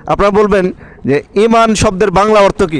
আপনারা বলবেন যে ঈমান শব্দের বাংলা অর্থ কি?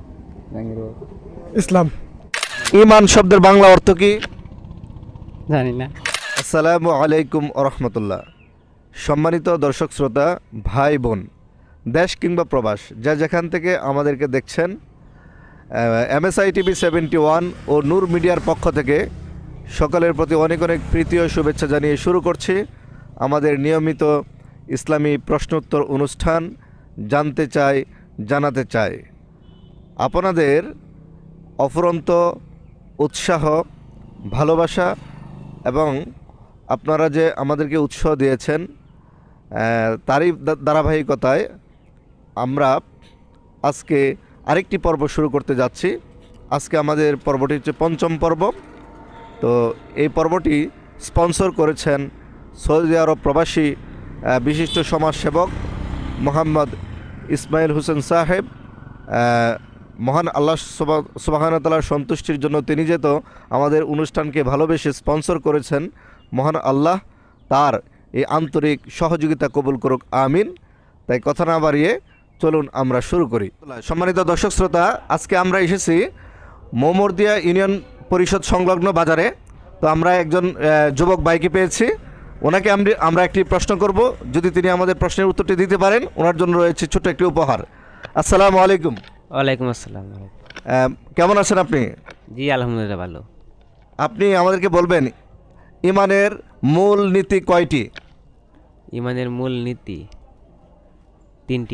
ইসলাম। ঈমান শব্দের বাংলা অর্থ কি? জানি না। আসসালামু আলাইকুম রহমতুল্লাহ। সম্মানিত দর্শক শ্রোতা, ভাই বোন, দেশ কিংবা প্রবাস, যা যেখান থেকে আমাদেরকে দেখছেন, MSI টিভি 71 ও নূর মিডিয়ার পক্ষ থেকে সকলের প্রতি অনেক অনেক প্রীতি ও শুভেচ্ছা জানিয়ে শুরু করছি আমাদের নিয়মিত ইসলামী প্রশ্নোত্তর অনুষ্ঠান জানতে চাই জানাতে চাই। আপনাদের অফুরন্ত উৎসাহ, ভালোবাসা এবং আপনারা যে আমাদেরকে উৎসাহ দিয়েছেন, তারই ধারাবাহিকতায় আমরা আজকে আরেকটি পর্ব শুরু করতে যাচ্ছি। আজকে আমাদের পর্বটি হচ্ছে পঞ্চম পর্ব। তো এই পর্বটি স্পন্সর করেছেন সৌদি আরব প্রবাসী বিশিষ্ট সমাজসেবক মোহাম্মদ ইসমাইল হোসেন সাহেব। মহান আল্লাহ সুবহানাহু ওয়া তাআলার সন্তুষ্টির জন্য তিনি যেহেতু আমাদের অনুষ্ঠানকে ভালোবেসে স্পন্সর করেছেন, মহান আল্লাহ তার এই আন্তরিক সহযোগিতা কবুল করুক, আমিন। তাই কথা না বাড়িয়ে চলুন আমরা শুরু করি। সম্মানিত দর্শক শ্রোতা, আজকে আমরা এসেছি মোমরদিয়া ইউনিয়ন পরিষদ সংলগ্ন বাজারে। তো আমরা একজন যুবক ভাইকে পেয়েছি, ওনাকে আমরা একটি প্রশ্ন করব। যদি তিনি আমাদের প্রশ্নের উত্তরটি দিতে পারেন, ওনার জন্য রয়েছে ছোট্ট একটি উপহার। আসসালামু আলাইকুম। ওয়ালাইকুম আসসালাম। কেমন আছেন আপনি? জি আলহামদুলিল্লাহ ভালো। আপনি আমাদেরকে বলবেন ঈমানের মূল নীতি কয়টি? ঈমানের মূল নীতি 3টি।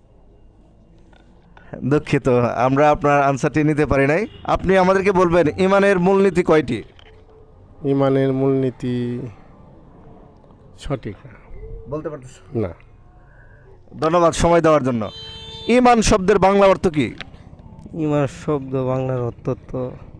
দুঃখিত, আমরা আপনার আনসারটি নিতে পারি নাই। আপনি আমাদেরকে বলবেন ঈমানের মূলনীতি কয়টি? ইমানের মূলনীতি সঠিক না। বলতে পারতেছেন না। ধন্যবাদ সময় দেওয়ার জন্য। ঈমান শব্দের বাংলা অর্থ কি? ঈমান শব্দ বাংলার অর্থ তো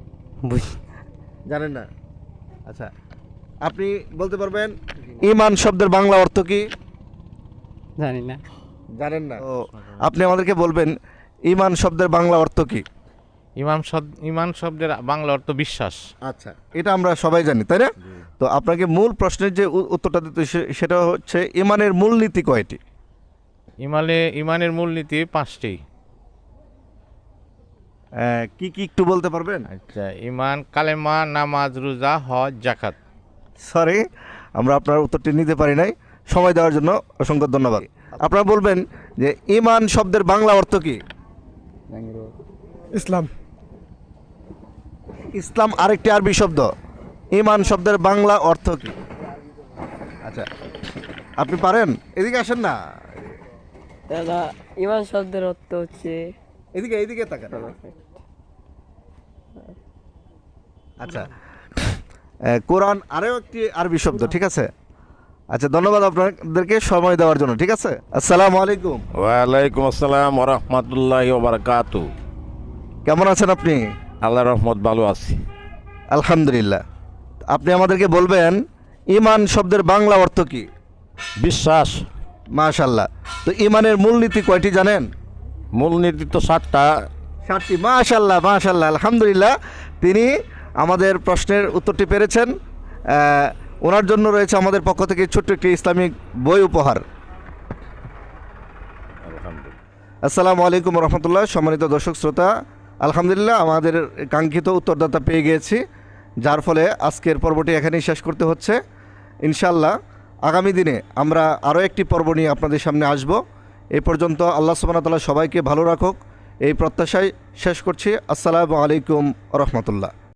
জানেন না? আচ্ছা, আপনি বলতে পারবেন ঈমান শব্দের বাংলা অর্থ কি? জানি না। জানেন না? তো আপনি আমাদেরকে বলবেন ঈমান শব্দের বাংলা অর্থ কি? ইমান শব্দের বাংলা অর্থ বিশ্বাস। আচ্ছা, এটা আমরা সবাই জানি, তাই না? তো আপনাকে মূল প্রশ্নের যে উত্তরটা দিতে সেটা হচ্ছে ঈমানের মূলনীতি কয়টি? ইমানের মূলনীতি 5টি। কি কি একটু বলতে পারবেন? আচ্ছা, ইমান, কালেমা, নামাজ, রোজা, হজ, যাকাত। সরি, আমরা আপনার উত্তরটি নিতে পারি নাই। সময় দেওয়ার জন্য অসংখ্য ধন্যবাদ। আপনারা বলবেন যে ঈমান শব্দের বাংলা অর্থ কি? ইসলাম। ইসলাম আরেকটি আরবি শব্দ। ঈমান শব্দের বাংলা অর্থ কি? আচ্ছা, আপনি পারেন? এদিকে আসেন না, দাদা, ঈমান শব্দের অর্থ হচ্ছে এদিকে এদিকে তাকান। আচ্ছা, কোরআন আরও একটি আরবি শব্দ, ঠিক আছে? আচ্ছা, ধন্যবাদ আপনাদেরকে সময় দেওয়ার জন্য, ঠিক আছে? আসসালামু আলাইকুম। ওয়ালাইকুম আসসালাম ওয়া রাহমাতুল্লাহি ওয়া বারাকাতুহু। কেমন আছেন আপনি? আল্লাহর রহমত, ভালো আছি। আলহামদুলিল্লাহ। আপনি আমাদেরকে বলবেন ঈমান শব্দের বাংলা অর্থ কি? বিশ্বাস। মাশাআল্লাহ। তো ঈমানের মূলনীতি কয়টি জানেন? মূলনীতি তো 7টা। 7টি। মাশাআল্লাহ মাশাআল্লাহ, আলহামদুলিল্লাহ। তিনি আমাদের প্রশ্নের উত্তরটি পেরেছেন। ওনার জন্য রয়েছে আমাদের পক্ষ থেকে ছোট্ট একটি ইসলামিক বই উপহার। আসসালামু আলাইকুম রহমতুল্লাহ। সম্মানিত দর্শক শ্রোতা, আলহামদুলিল্লাহ আমাদের কাঙ্ক্ষিত উত্তরদাতা পেয়ে গিয়েছি, যার ফলে আজকের পর্বটি এখানেই শেষ করতে হচ্ছে। ইনশাআল্লাহ আগামী দিনে আমরা আরও একটি পর্ব নিয়ে আপনাদের সামনে আসব। এই পর্যন্ত আল্লাহ সুবহানাহু ওয়া তাআলা সবাইকে ভালো রাখুক, এই প্রত্যাশায় শেষ করছি। আসসালামু আলাইকুম রহমতুল্লাহ।